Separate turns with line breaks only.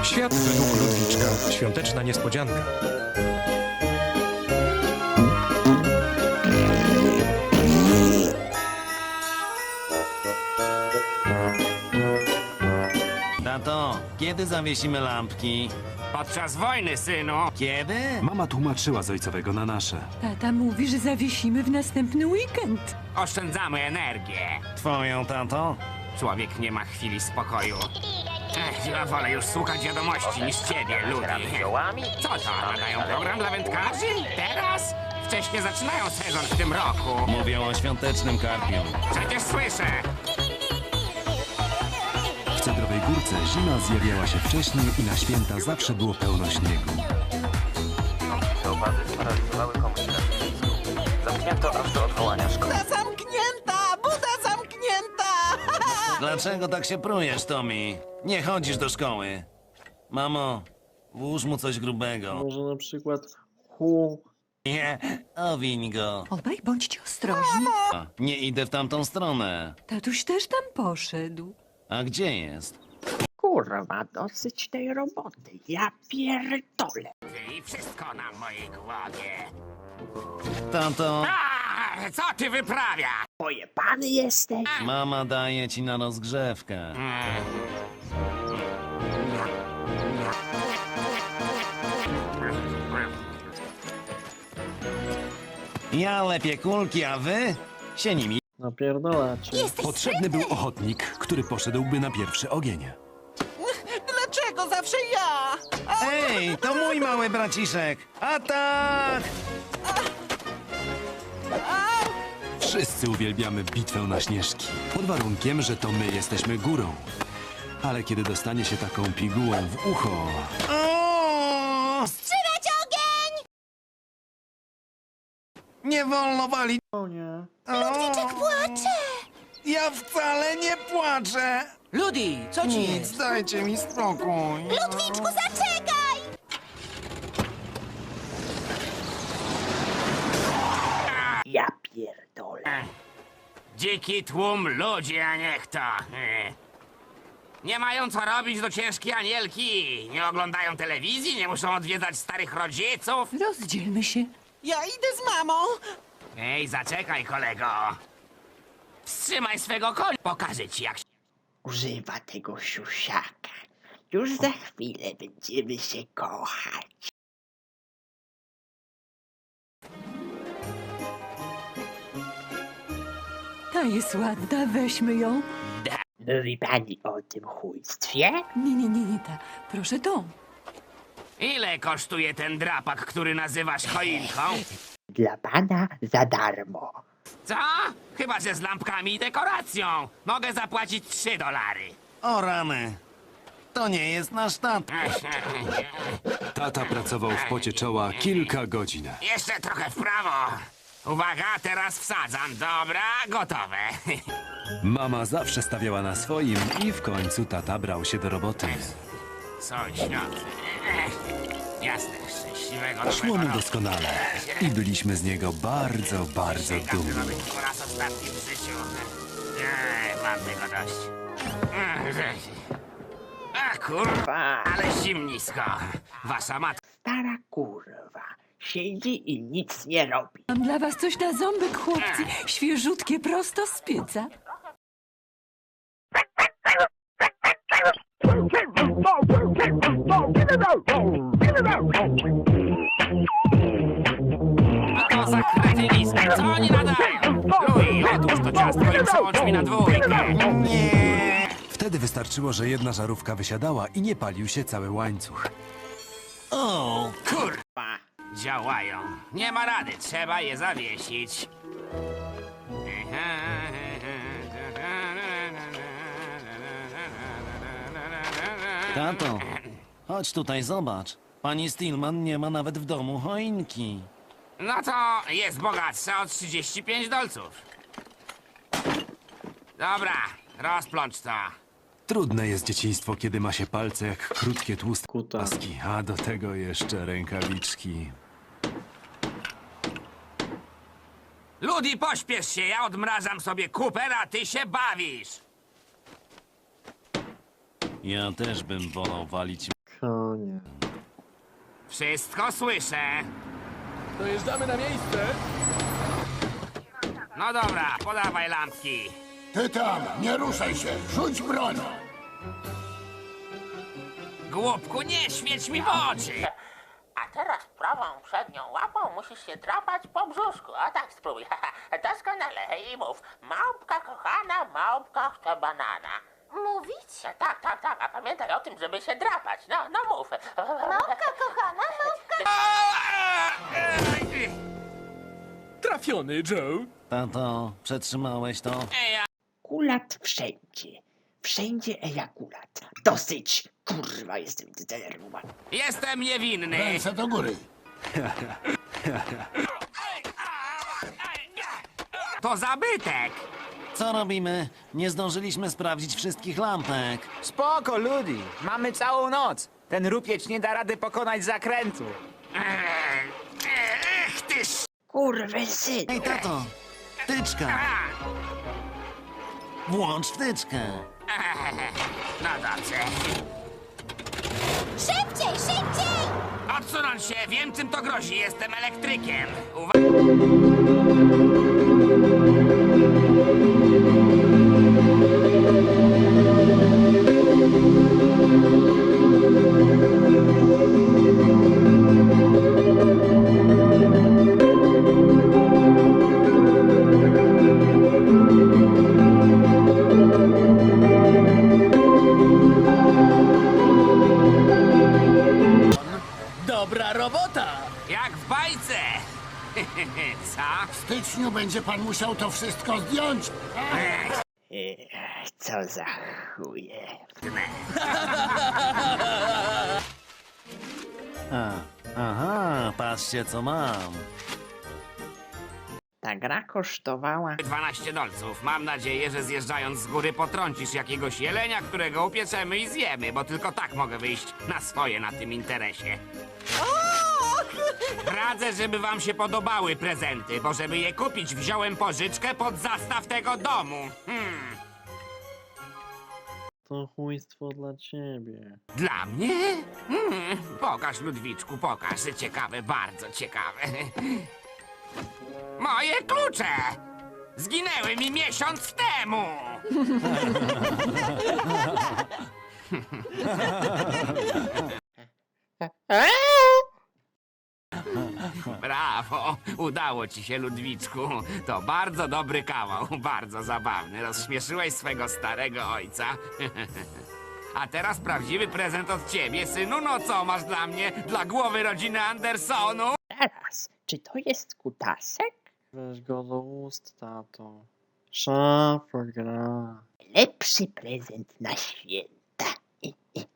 Świat według Ludwiczka. Świąteczna niespodzianka.
Tato, kiedy zawiesimy lampki?
Podczas wojny, synu.
Kiedy?
Mama tłumaczyła z ojcowego na nasze.
Tata mówi, że zawiesimy w następny weekend.
Oszczędzamy energię.
Twoją, tato?
Człowiek nie ma chwili spokoju. Ja wolę już słuchać wiadomości niż ciebie, Ludi. Co to, nadają program dla wędkarzy? Teraz? Wcześniej zaczynają sezon w tym roku.
Mówią o świątecznym karpiu.
Przecież słyszę.
W Cedrowej Górce zima zjawiała się wcześniej i na święta zawsze było pełno śniegu.
Opady sparaliżowały komunikację miejską. Zamknięto aż do odwołania szkoły.
Zamknięta! Buda zamknięta!
Dlaczego tak się prujesz, Tommy? Nie chodzisz do szkoły. Mamo, włóż mu coś grubego.
Może na przykład hu.
Nie, owiń go.
Obaj bądźcie ostrożni.
Nie idę w tamtą stronę.
Tatuś też tam poszedł.
A gdzie jest?
Kurwa, dosyć tej roboty. Ja pierdolę.
I wszystko na mojej głowie.
Tato,
Co ty wyprawia?
Pojebany jesteś?
mama daje ci na rozgrzewkę. Ja lepiej kulki, a wy się nimi.
Napierdalacie.
Potrzebny był ochotnik, który poszedłby na pierwszy ogień.
Dlaczego zawsze ja?
Ej, to mój mały braciszek. Atak!
Wszyscy uwielbiamy bitwę na śnieżki. Pod warunkiem, że to my jesteśmy górą. Ale kiedy dostanie się taką pigułą w ucho...
O!
Wstrzymać ogień!
Nie wolno walić.
O nie.
Ludwiczek płacze!
Ja wcale nie płaczę.
Ludi, co ci
Nic, dajcie mi spokój.
Ludwiczku, zaczekaj!
Ja pierdolę.
Dziki tłum ludzi, a nie kto. Nie mają co robić do ciężkiej anielki. Nie oglądają telewizji, nie muszą odwiedzać starych rodziców.
Rozdzielmy się.
Ja idę z mamą.
Ej, zaczekaj, kolego. Wstrzymaj swego konia. Pokażę ci, jak się...
Używa tego siusiaka. Już za chwilę będziemy się kochać.
Ta jest ładna, weźmy ją.
Mówi pani o tym chujstwie?
Nie, ta. Proszę tą.
Ile kosztuje ten drapak, który nazywasz choinką?
Dla pana za darmo.
Co? Chyba, że z lampkami i dekoracją. Mogę zapłacić $3.
O rany. To nie jest nasz tata.
Tata pracował w pocie czoła kilka godzin.
Jeszcze trochę w prawo. Uwaga, teraz wsadzam. Dobra, gotowe.
Mama zawsze stawiała na swoim i w końcu tata brał się do roboty.
Sąsiad. Jasne, szczęśliwego
Szło mu
nowego roku.
doskonale i byliśmy z niego bardzo, bardzo
Każdy
dumni.
nowy po raz ostatni w życiu. Mam tego dość. A kurwa, ale zimnisko. Wasza matka.
Stara kurwa. Siedzi i nic nie robi.
Mam dla was coś na ząbek, chłopcy. Świeżutkie, prosto z pieca.
To za kretynizm. Co oni nadają? Louis, odłóż to ciastko i przełącz mi na dwójkę.
Nie.
Wtedy wystarczyło, że jedna żarówka wysiadała i nie palił się cały łańcuch.
O,
Kurwa. Działają. Nie ma rady, trzeba je zawiesić.
tato, chodź tutaj, zobacz. Pani Stillman nie ma nawet w domu choinki.
No to jest bogatsza o $35. Dobra, rozplącz to.
Trudne jest dzieciństwo, kiedy ma się palce jak krótkie, tłuste
Kuta.
paski, a do tego jeszcze rękawiczki.
Ludi, pośpiesz się, ja odmrażam sobie kuper, a ty się bawisz.
Ja też bym wolał walić
Konie.
Wszystko słyszę.
Dojeżdżamy na miejsce.
No dobra, podawaj lampki.
Ty tam, nie ruszaj się, rzuć broń!
Głupku, nie świeć mi w oczy.
A teraz prawą przednią łapą musisz się drapać po brzuszku. A tak spróbuj. Doskonale i mów. Małpka kochana, małpka chce banana.
Mówić?
Tak, tak, tak. A pamiętaj o tym, żeby się drapać. No, no mów.
Małpka kochana, małpka...
Trafiony, Joe.
Tato, przetrzymałeś to?
Kulat wszędzie. Wszędzie ejakulat. Dosyć! Kurwa, jestem zdenerwowany.
Jestem niewinny.
Ręce do góry.
To zabytek.
Co robimy? Nie zdążyliśmy sprawdzić wszystkich lampek.
Spoko, ludzi. Mamy całą noc. Ten rupieć nie da rady pokonać zakrętu.
Ech, ty
Kurwy syn!
Ej, tato! Wtyczka! Włącz wtyczkę!
No dobrze.
Szybciej, szybciej!
Odsunąć się, wiem czym to grozi, jestem elektrykiem.
Dobra robota!
Jak w bajce. Co?
W styczniu będzie pan musiał to wszystko zdjąć.
Co za chuje.
Aha, patrzcie co mam.
Ta gra kosztowała
12 dolców. Mam nadzieję, że zjeżdżając z góry potrącisz jakiegoś jelenia, którego upieczemy i zjemy, bo tylko tak mogę wyjść na swoje na tym interesie. Radzę, żeby wam się podobały prezenty, bo żeby je kupić, wziąłem pożyczkę pod zastaw tego domu.
To chujstwo dla ciebie.
Dla mnie? Pokaż, Ludwiczku, pokaż. Ciekawe, bardzo ciekawe. Moje klucze! Zginęły mi miesiąc temu! Brawo! Udało ci się, Ludwiczku. To bardzo dobry kawał, bardzo zabawny. Rozśmieszyłeś swego starego ojca. A teraz prawdziwy prezent od ciebie, synu. No co masz dla mnie? Dla głowy rodziny Andersonu?
Teraz, czy to jest kutasek?
Weź go do ust, tato. Szafa gra.
Lepszy prezent na święta.